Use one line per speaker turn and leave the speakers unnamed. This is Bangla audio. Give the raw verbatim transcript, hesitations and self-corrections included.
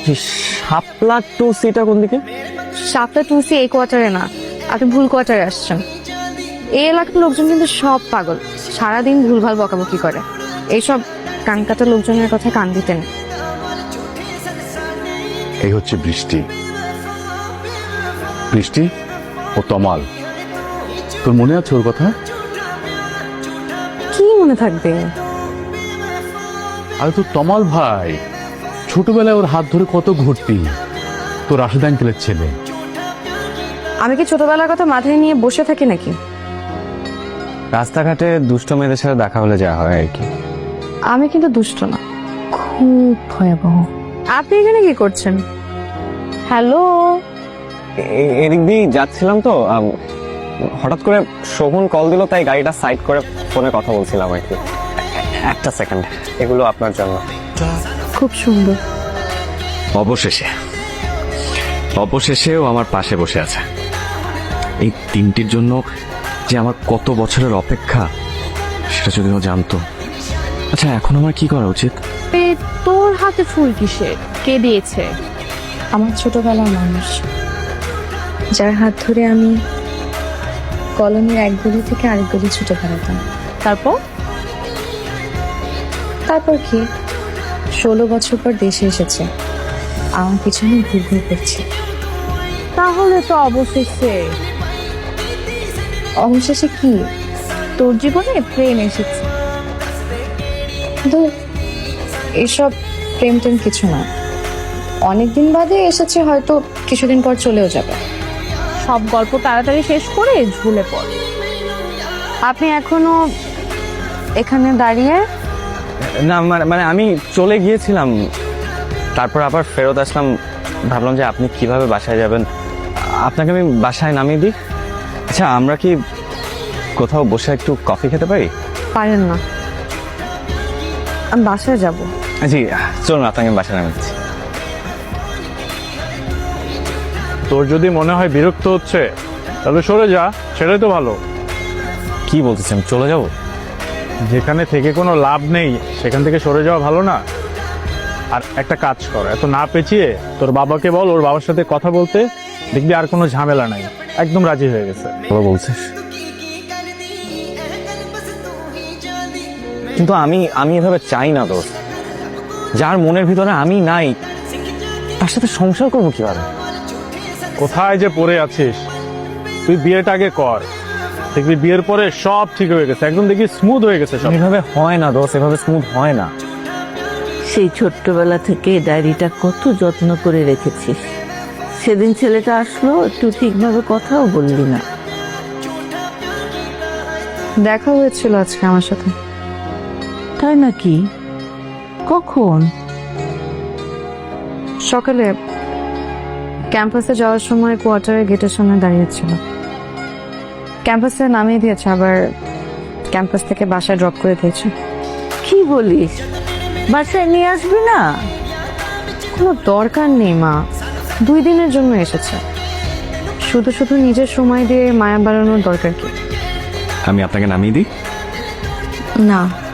শাপলা টু সিটা কোন দিকে?
শাপলা টু সি এই কোয়ার্টারে না, আপনি ভুল কোয়ার্টারে আসছেন। এই এলাকার লোকজন কিন্তু সব পাগল, সারাদিন ভুলভাল বকাবকি করে। এইসব কানকাটা লোকজনের কথা কান দিতেন।
এই হচ্ছে বৃষ্টি। বৃষ্টি ও তমাল, তোর মনে আছে ওর কথা?
কি মনে থাকবে?
আরে তোর তমাল ভাই, ছোটবেলায় ওর হাত ধরে কত ঘুরতি, তোর রাশেদ আঙ্কেলের ছেলে।
আমি কি ছোটবেলার কথা মাথায় নিয়ে বসে থাকি নাকি?
রাস্তাঘাটে দুষ্ট মেয়েদের সাথে দেখা হলে যা হয় আর কি।
আমি কিন্তু দুষ্ট না, খুব ভয়াবহ। আপনি এখানে কি করছেন? হ্যালো,
এদিক দিয়ে যাচ্ছিলাম তো, আম, হঠাৎ করে শোভন কল দিল, তাই গাড়িটা সাইড করে ফোনে কথা বলছিলাম আর কি। একটা সেকেন্ড, এগুলো আপনার জন্য।
খুব সুন্দর।
অবশেষে অবশেষেও আমার পাশে বসে আছে। এই তিনটির জন্য যে আমার কত বছরের অপেক্ষা, সেটা যদি ও জানতো। আচ্ছা, এখন আমার কি করা উচিত?
এ, তোর হাতে ফুল কিসের? কে দিয়েছে? আমার ছোটবেলার মানুষ, যার হাত ধরে আমি কলোনির এক গলি থেকে আরেক গলি ছুটে বেড়াতাম। তারপর তারপর কি ষোলো বছর পর দেশে এসেছে, আমার পিছনে ঘুর ঘুর করছে। তাহলে তো অবশেষে অবশেষে কি তোর জীবনে প্রেম এসেছে? কিন্তু এসব প্রেম টেম কিছু না, অনেকদিন বাদে এসেছে, হয়তো কিছুদিন পর চলেও যাবে। সব গল্প তাড়াতাড়ি শেষ করে ঝুলে পড়। আপনি এখনো এখানে দাঁড়িয়ে?
না মানে মানে আমি চলে গিয়েছিলাম, তারপর আবার ফেরত আসলাম। ভাবলাম যে আপনি কিভাবে বাসায় যাবেন, আপনাকে আমি বাসায় নামিয়ে দিই। আচ্ছা, আমরা কি কোথাও বসে একটু কফি খেতে পারি?
পারেন না, আমি বাসায় যাব।
জি চলুন, আপনাকে আমি বাসায় নামিয়ে দিচ্ছি।
তোর যদি মনে হয় বিরক্ত হচ্ছে, তাহলে সরে যা, সেটাই তো ভালো।
কি বলতেছেন, চলে যাব?
যেখানে থেকে কোনো লাভ নেই সেখান থেকে সরে যাওয়া ভালো না? আর একটা কাজ কর, এত না পেঁচিয়ে তোর বাবাকে বল ওর বাবার সাথে কথা বলতে, দেখবি আর কোনো ঝামেলা নাই, একদম রাজি হয়ে গেছে।
ভালো বলছিস, কিন্তু আমি আমি এভাবে চাই না দোষ। যার মনের ভিতরে আমি নাই, তার সাথে সংসার করবো কিভাবে?
কোথায় যে পড়ে আছিস, তুই বিয়েটা আগে কর, দেখবি বিয়ের পরে সব ঠিক হয়ে গেছে, একদম দেখবি স্মুথ হয়ে গেছে সব।
এভাবে হয় না দোষ, এভাবে স্মুথ হয় না।
সেই ছোট্টবেলা থেকে ডায়েরিটা কত যত্ন করে রেখেছিস, সেদিন ছেলেটা আসলো, একটু ঠিকভাবে কথাও বললি না।
দেখা হয়েছিল আজকে আমার সাথে।
তাই নাকি? কখন?
সকালে ক্যাম্পাসে যাওয়ার সময় কোয়ার্টারের গেটের সামনে দাঁড়িয়েছিল। ক্যাম্পাসে নামিয়ে দিয়েছে, আবার ক্যাম্পাস থেকে বাসায় ড্রপ করে দিয়েছে।
কি বলিস? বাসায় নিয়ে আসবি না?
কোনো দরকার নেই মা, দুই দিনের জন্য এসেছে, শুধু শুধু নিজের সময় দিয়ে মায়া বাড়ানোর দরকার কি?
আমি আপনাকে নামিয়ে দিই?
না,